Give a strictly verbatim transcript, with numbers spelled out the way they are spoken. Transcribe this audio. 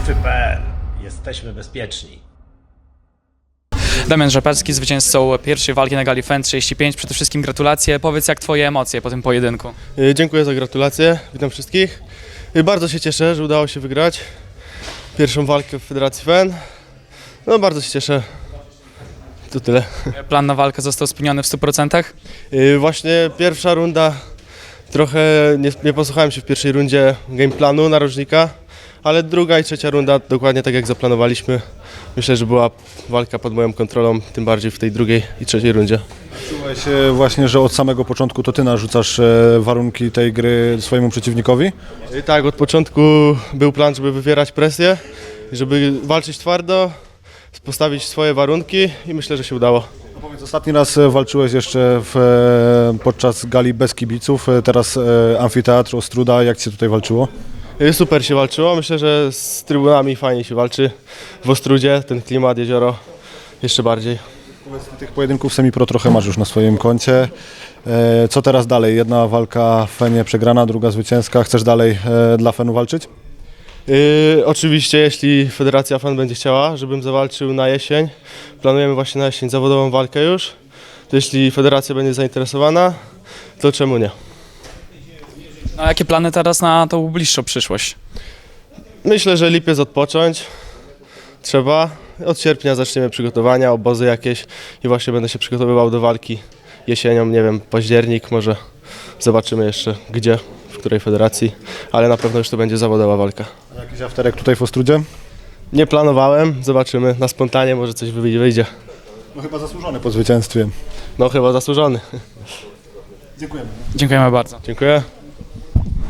kropka pe el. Jesteśmy bezpieczni. Damian Rzepecki, zwycięzcą pierwszej walki na gali F E N trzydzieści pięć. Przede wszystkim gratulacje. Powiedz, jak twoje emocje po tym pojedynku? Dziękuję za gratulacje, witam wszystkich. Bardzo się cieszę, że udało się wygrać pierwszą walkę w Federacji F E N. No bardzo się cieszę. To tyle. Plan na walkę został spełniony w stu procentach? Właśnie pierwsza runda, trochę nie, nie posłuchałem się w pierwszej rundzie game planu narożnika, ale druga i trzecia runda dokładnie tak jak zaplanowaliśmy. Myślę, że była walka pod moją kontrolą, tym bardziej w tej drugiej i trzeciej rundzie. Czułeś właśnie, że od samego początku to ty narzucasz warunki tej gry swojemu przeciwnikowi? I tak, od początku był plan, żeby wywierać presję, żeby walczyć twardo, postawić swoje warunki i myślę, że się udało. No powiedz, ostatni raz walczyłeś jeszcze w, podczas gali bez kibiców, teraz amfiteatr Ostruda. Jak ci się tutaj walczyło? Super się walczyło, myślę, że z trybunami fajnie się walczy w Ostrudzie, ten klimat, jezioro jeszcze bardziej. Powiedz, tych pojedynków semi-pro trochę masz już na swoim koncie. Co teraz dalej? Jedna walka w F E N-ie przegrana, druga zwycięska. Chcesz dalej dla F E N-u walczyć? Yy, oczywiście, jeśli Federacja F E N będzie chciała, żebym zawalczył na jesień, planujemy właśnie na jesień zawodową walkę już, to jeśli Federacja będzie zainteresowana, to czemu nie? A jakie plany teraz na tą bliższą przyszłość? Myślę, że lipiec odpocząć trzeba. Od sierpnia zaczniemy przygotowania, obozy jakieś i właśnie będę się przygotowywał do walki jesienią, nie wiem, październik, może zobaczymy jeszcze gdzie, w której federacji, ale na pewno już to będzie zawodowa walka. A jakiś afterek tutaj w Ostrudzie? Nie planowałem, zobaczymy, na spontanie może coś wyjdzie. No chyba zasłużony po zwycięstwie. No chyba zasłużony. Dziękujemy. Dziękujemy bardzo. Dziękuję.